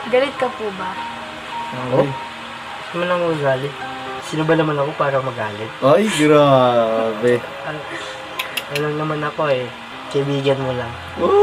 Galit ka po ba? Oh? Gusto mo nang magalit? Sino ba naman ako para magalit? Ay, grabe. Ano lang naman ako eh. Kaibigan mo lang.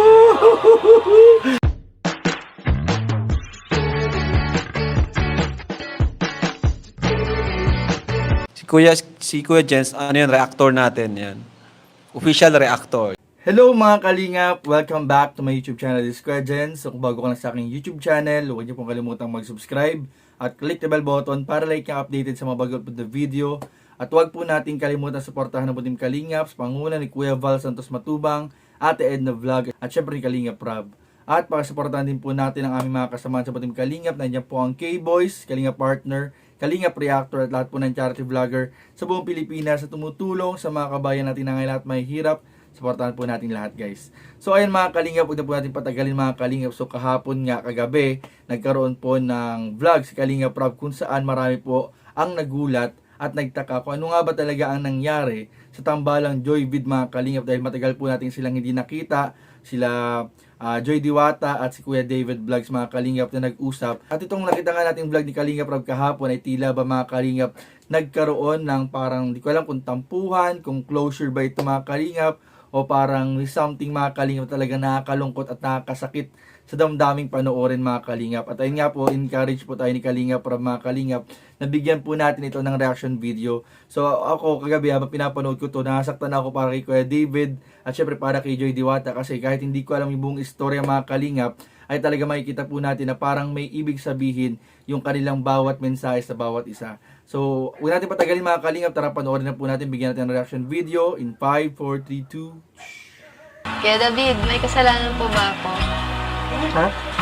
Si Kuya Jens, ano yan, reactor natin yan. Official reactor. Hello mga kalingap! Welcome back to my YouTube channel, this is Kuya Jens. So kung bago ka lang sa aking YouTube channel, huwag niyo pong kalimutang mag-subscribe at click the bell button para like kang updated sa mga bago upload na video. At huwag po natin kalimutan suportahan ng Team Kalingap sa panguna ni Kuya Val Santos Matubang, Ate Edna Vlog at syempre ni Kalingap Rob. At pakasuportahan din po natin ang aming mga kasamahan sa Team Kalingap. Nandiyan po ang K-Boys, Kalingap Partner, Kalingap Reactor at lahat po ng charity vlogger sa buong Pilipinas sa tumutulong sa mga kabayan natin na ngayon at may hirap. Supportahan po natin lahat, guys. So ayun mga kalingap, huwag na po natin patagalin mga kalingap. So kahapon nga, kagabi, nagkaroon po ng vlog si Kalingap Rob kung saan marami po ang nagulat at nagtaka kung ano nga ba talaga ang nangyari sa tambalang Joyvid mga kalingap dahil matagal po natin silang hindi nakita. Sila Joy Diwata at si Kuya David Vlogs mga kalingap na nag-usap. At itong nakita nga natin vlog ni Kalingap Rob kahapon ay tila ba mga kalingap nagkaroon ng parang di ko alam kung tampuhan, kung closure ba ito mga kalingap o parang something mga kalingap talaga nakakalungkot at nakakasakit sa damdaming panoorin mga kalingap. At ayun nga po, encourage po tayo ni Kalingap Rob mga kalingap. Nabigyan po natin ito ng reaction video. So ako kagabi habang pinapanood ko to, nasaktan ako para kay Kuya David at syempre para kay Joy Diwata kasi kahit hindi ko alam yung buong istorya mga kalingap, ay talaga makikita po natin na parang may ibig sabihin yung kanilang bawat mensahe sa bawat isa. So, huwag natin patagalin mga kalingap, tara panoorin na po natin, bigyan natin ng reaction video in 5, 4, 3, 2. Kaya David, may kasalanan po ba ako? Ha?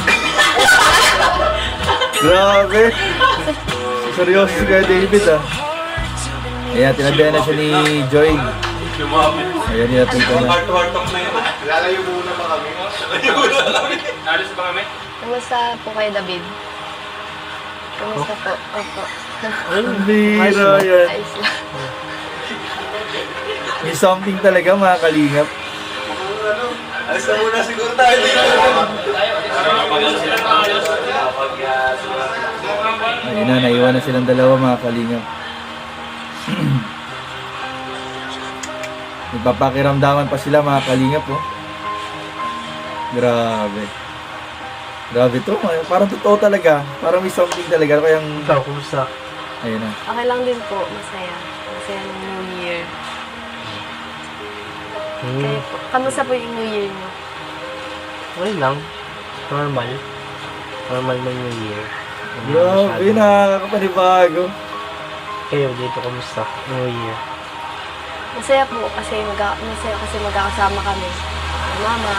Grabe! Seryoso si Kuya David ah. Ayan, tinabihan na siya ni Joy. Ayan, natin ko na. Lalayo muna ba kami? Alis ba kami? Kamusta po kayo David? Kamusta po? Opo. Ay, bira yan. Ayos lang. May something talaga mga kalingap. Alis na muna siguro tayo. Ayun na, naiwan na silang dalawa mga kalingap. Nagpapakiramdaman pa sila mga kalingap oh. Grabe. Grabe to, parang totoo talaga. Parang may something talaga. Kaya Ikaw, kumusta? ayun na. Okay lang din po, masaya. Masaya ng New Year. Kaya po, kamusta po yung New Year niyo? Okay lang. Normal. Normal na New Year. Grabe, nakakapanibago. Kayo, dito, kumusta? New Year. Masaya po kasi masaya kasi magkakasama kami. Mama,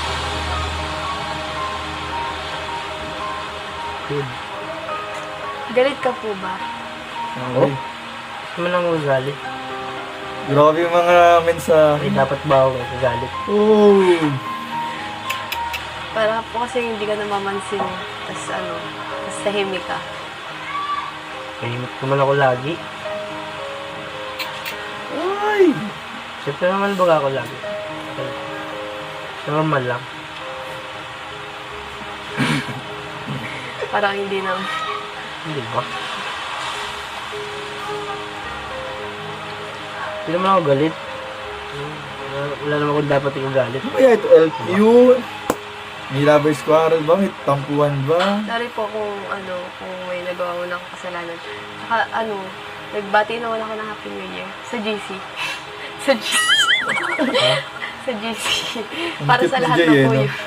Good. galit ka po ba? Oh, Gusto mo nang magalit? grabe yung mga mensahe. Ay, dapat ba ako magalit? Oh. Para po kasi hindi ka namamansin. Tapos tapos tahimik ka. Tahimik naman ako lagi. Ay. Siyempre naman baga ako lagi. Normal lang. Parang hindi na. Hindi ba? Hindi naman ako galit. Wala naman akong dapat yung galit. Ano kaya ito? LQ? May lovers quarrel ba? May tampuhan ba? Sorry po kung kung may nagawa mo ng kasalanan. Saka nagbati naman ako ng Happy New Year sa GC. Sa GC. Sa GC. Para cute sa ni lahat Jay, ng eh, po no? yun.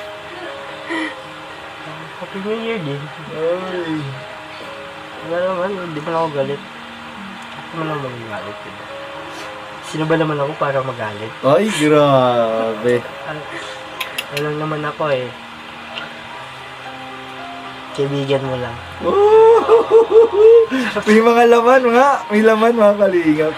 Happy New Year din. Ay. Wala naman, hindi pa ako galit. Hindi mo naman magalit, diba? Sino ba naman ako para magalit? Ay, grabe. Ano lang naman ako eh. Kaibigan mo lang. May mga laman nga. May laman mga kalingap.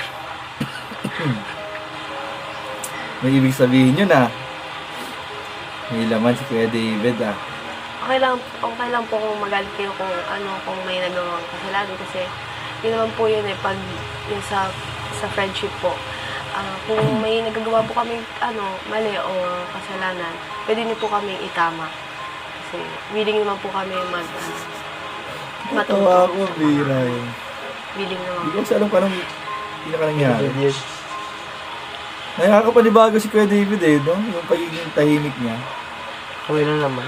May ibig sabihin yun ah. May laman si Kuya David ah. Okay lang po kung magalit kayo kung may nagawang kasalanan kasi yun naman po yun pag yung sa friendship po. Kung may nagagawa po kami mali o kasalanan, pwede niyo po kaming itama. kasi willing naman po kami matulog. Tawa ko, bira yun. Willing naman Hindi po. ko kasi alam kung anong pinaka nangyari. Yes. Nakakapanibago si Kuya David eh, no? Yung pagiging tahimik niya. Kami na naman.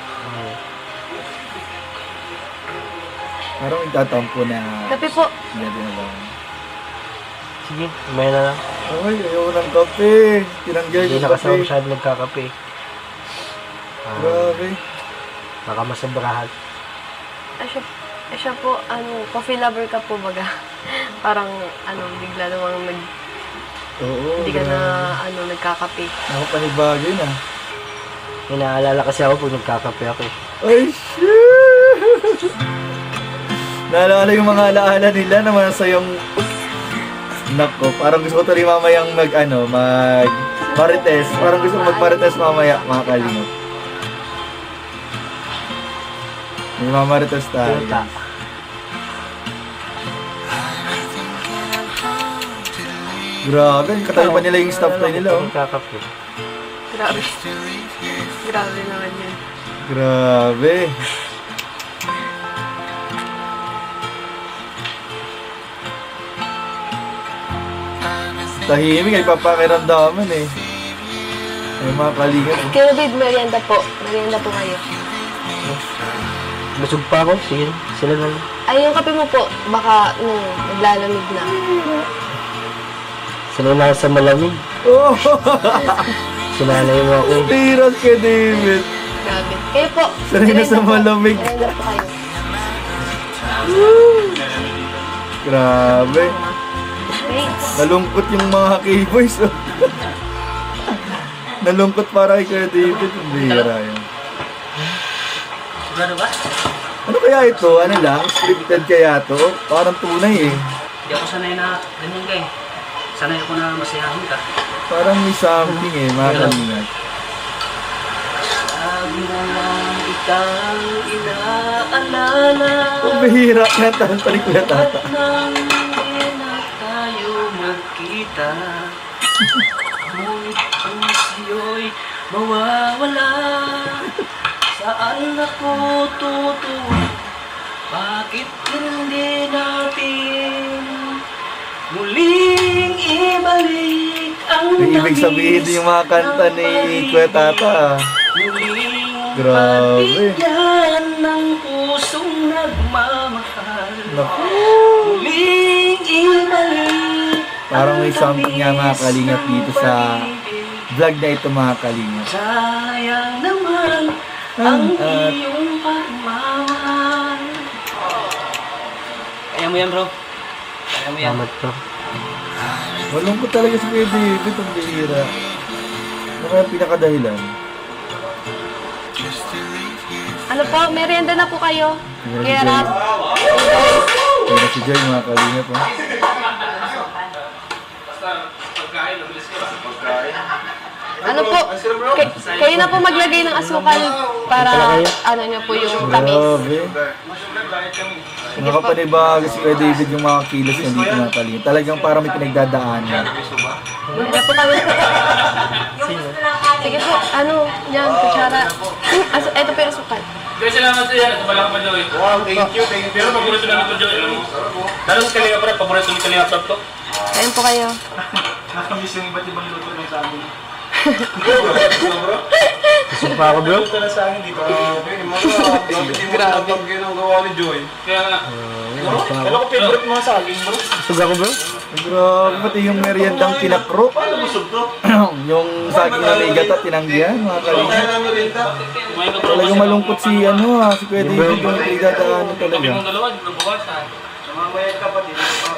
Parang nagtatampo na Kape po. hindi na lang. Sige, may na lang. Ay, ayaw ng kape. Tinanggal Hindi yung na kasi ako kape. masyado nagkakape. Grabe. Baka masabrahan. Siya po, coffee lover ka po baga. Parang, bigla namang Oo, hindi ka na, grabe. nagkakape. Nakapanibago yun ah. May naalala kasi ako pag nagkakape ako eh. Ay, shit! Naalala yung mga alaala nila na masayang... Nako, parang gusto ko tuloy mamayang marites. Parang gusto ko magmarites mamaya, mga kalingap. May mamarites tayo. Punta. Grabe, katabi pa nila yung staff tayo nila, oh. Nagkakape. Grabe. Grabe naman yun. Grabe. Tahimik, ay papakiramdaman eh. Ay mga kalingap. Kaya David, merienda po. Merienda po kayo. Busog pa ako. Sige, sila na lang. Ay, yung kape mo po, baka, naglalamig na. Sila na sa malamig. Oh! Sinanay mo ako. Piras kay David. Grabe. Kayo po. Sanay na sa malamig. Merienda po kayo. Grabe. Wait. Nalungkot yung mga K-boys. Oh. Nalungkot para kay Kuya David. Ang bihira yun. Sigurado ba? Ano kaya ito? Ano lang? Scripted kaya to? Parang tunay eh. Hindi ako sanay na ganyan ka eh. Sanay ako na masayahin ka. Parang may something eh, mga kalingap. Sabi mo lang ikaw inaalala. Ang bihira. Kantahan pa rin Kuya Tata. At nang hindi na tayo magkita, ngunit ang siyo'y mawawala. Saan ako tutuwa? Bakit hindi natin muling ibalik ang May ibig sabihin din yung mga kanta ni Kuya Tata. Muling Grabe. pagbigyan ng pusong nagmamahal. Naku. Muling ibalik. Parang may something nga mga kalingap dito sa vlog na ito mga kalingap. Sayang naman ang iyong pagmamahal. Kaya mo yan, bro. Kaya mo yan. Salamat bro. Malungkot talaga si Kuya David. Ang bihira. Ano kaya ang pinakadahilan? Ano po, merienda na po kayo. Kaya Rap. Kaya si Joy mga kalingap. Oh. Ano po, kayo na po maglagay ng asukal para niyo po yung tamis. Grabe. Nakapanibago si Kuya David yung mga kilos niya dito mga kalingap. Talagang parang may pinagdadaanan. Ano po kami? Sige po, yan, kutsara. Ito po yung asukal. Kaya salamat sa yan. Ito pala ka pa, Joey. Wow, thank you. Pero paborito namin ito, Joey. Lalo sa Kalinga Prab, paborito ni Kalinga Prab to. Ayun po kayo. Nakamiss yung iba't ibang luto ng sa amin. Busog pa ako bro. Luto na sa amin dito. Grabe. Ang ginagawa ni Joey. Kaya nga. Alam ko favorite mga saging, bro. Busog ako bro. Grabe, pati yung meriendang tinakro. Paano busog to? Yung saging na may gata, tinanggihan mga kalingap. Kaya merienda. Kumain ka bro. Talagang malungkot si si Kuya David yung pinagdadaanan talaga. Kami ng dalawa, di ba bukas ha? Mamaya ka pa din.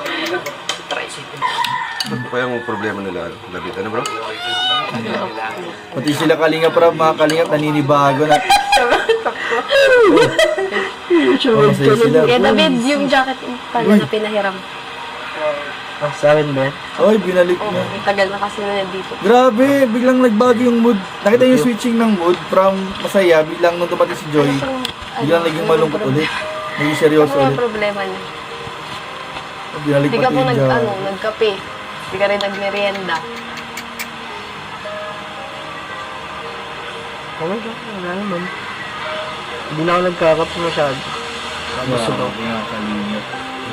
Ano pa yung problema nila, David? Ano bro? Pati sila kalingap Prab, mga kalingap, naninibago na. Masaya sila. Kaya David, yung jacket pala na pinahiram. Ah, sa akin ba yan? Oy, binalik Oo, na. tagal na kasi na nandito. Grabe, biglang nagbago yung mood. Nakita yung switching ng mood from masaya, biglang nung dumating si Joy, biglang naging malungkot ulit. Naging seryoso Ano yung ulit. problema niya? Binalik Hindi ka pati po yung jaw. nagkape. Hindi ka rin nagmerienda. Okay ba? Wala naman. Hindi na ako nagkakape masyado. Busog ako. Grabe mga kalingap.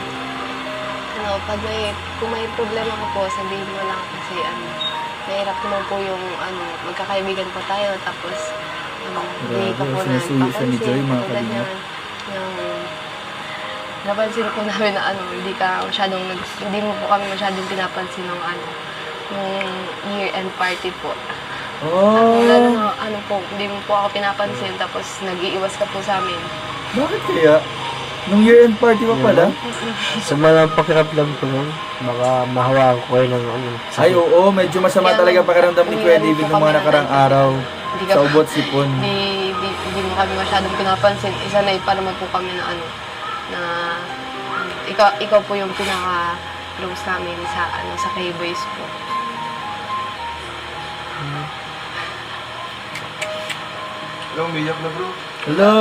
Kung may problema ka po, sabihin mo lang kasi mahirap naman po yung magkakaibigan po tayo, tapos hindi ka po na sinusuyo siya ni Joy, mga katulad kalingap. yung napansin po namin na hindi mo po kami masyadong pinapansin ng yung year-end party po. Oh, Lalo na hindi mo po ako pinapansin, tapos nag-iiwas ka po sa amin. bakit kaya? Nung year-end party pa pala? Sa mga pakiramdam ko nun, baka mahawakan ko kayo ng Ay, oo, medyo masama Kaya talaga pakiramdam ni Kuya umiiwan David po ng mga kami nakarang ng araw Hindi sa ubot sipon. Hindi mo kami masyadong pinapansin. Isa na pa naman po kami na ikaw po yung pinaka-close namin sa K-Boys po. Alam, umiyak na bro. Hello?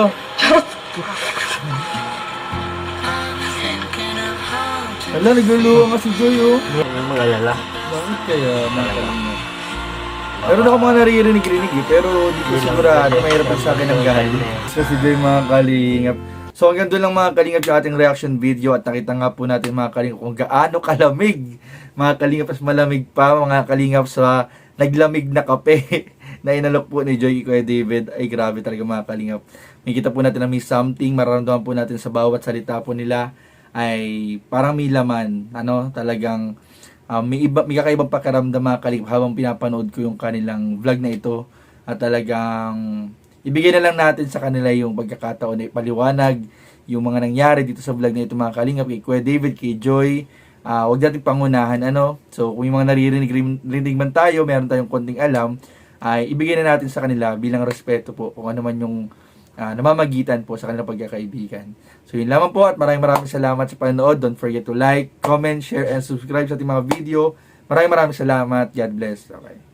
Hala, nagluluha nga si Joy, oh. Hindi yung mag-alala. Bakit kaya mga kalingap? Meron ako mga naririnig-rinig eh, pero di ko sigurado, mahirap pa sa akin ang galing. So si Joy mga kalingap. So hanggang doon lang mga kalingap yung ating reaction video at nakita nga po natin mga kalingap kung gaano kalamig. Mga kalingap, mas malamig pa mga kalingap sa naglamig na kape na inalok po ni Joy Kuya David. Ay grabe talaga mga kalingap. Makikita po natin na may something, mararamdaman po natin sa bawat salita po nila ay parang may laman, talagang may kakaibang pakiramdam mga kalingap habang pinapanood ko yung kanilang vlog na ito at talagang ibigay na lang natin sa kanila yung pagkakataon na ipaliwanag yung mga nangyari dito sa vlog na ito mga kalingap kay Kuya David, kay Joy. Huwag natin pangunahan so kung yung mga naririnig man tayo, meron tayong konting alam, ay ibigay na natin sa kanila bilang respeto po kung ano man yung namamagitan po sa kanilang pagkakaibigan. So yun lamang po at maraming salamat sa panonood. Don't forget to like, comment, share, and subscribe sa ating mga video. Maraming salamat. God bless. Okay.